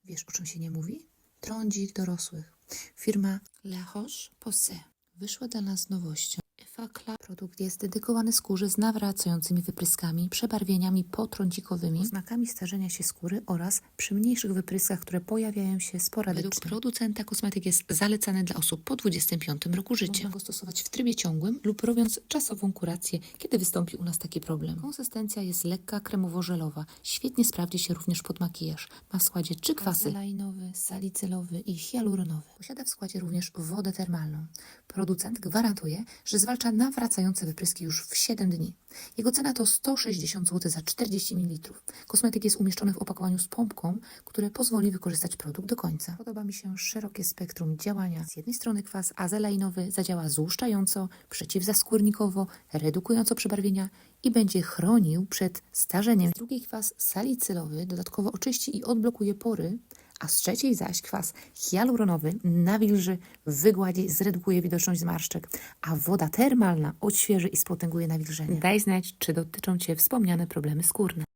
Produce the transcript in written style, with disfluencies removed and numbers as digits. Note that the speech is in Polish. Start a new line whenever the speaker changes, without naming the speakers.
Wiesz, o czym się nie mówi? Trądzik dorosłych. Firma La Roche-Posay wyszła dla nas z nowością. Effaclar. Produkt jest dedykowany skórze z nawracającymi wypryskami, przebarwieniami potrądzikowymi, oznakami starzenia się skóry oraz przy mniejszych wypryskach, które pojawiają się sporadycznie. Według producenta kosmetyk jest zalecany dla osób po 25 roku życia. Można go stosować w trybie ciągłym lub robiąc czasową kurację, kiedy wystąpi u nas taki problem. Konsystencja jest lekka, kremowo-żelowa. Świetnie sprawdzi się również pod makijaż. Ma w składzie 3 kwasy: azelainowy, salicylowy i hialuronowy. Posiada w składzie również wodę termalną. Producent gwarantuje, że zwalcza nawracające wypryski już w 7 dni. Jego cena to 160 zł za 40 ml. Kosmetyk jest umieszczony w opakowaniu z pompką, które pozwoli wykorzystać produkt do końca. Podoba mi się szerokie spektrum działania. Z jednej strony kwas azelainowy zadziała złuszczająco, przeciwzaskórnikowo, redukująco przebarwienia i będzie chronił przed starzeniem. Z drugiej kwas salicylowy dodatkowo oczyści i odblokuje pory, a z trzeciej zaś kwas hialuronowy nawilży, wygładzi, zredukuje widoczność zmarszczek, a woda termalna odświeży i spotęguje nawilżenie. Daj znać, czy dotyczą Cię wspomniane problemy skórne.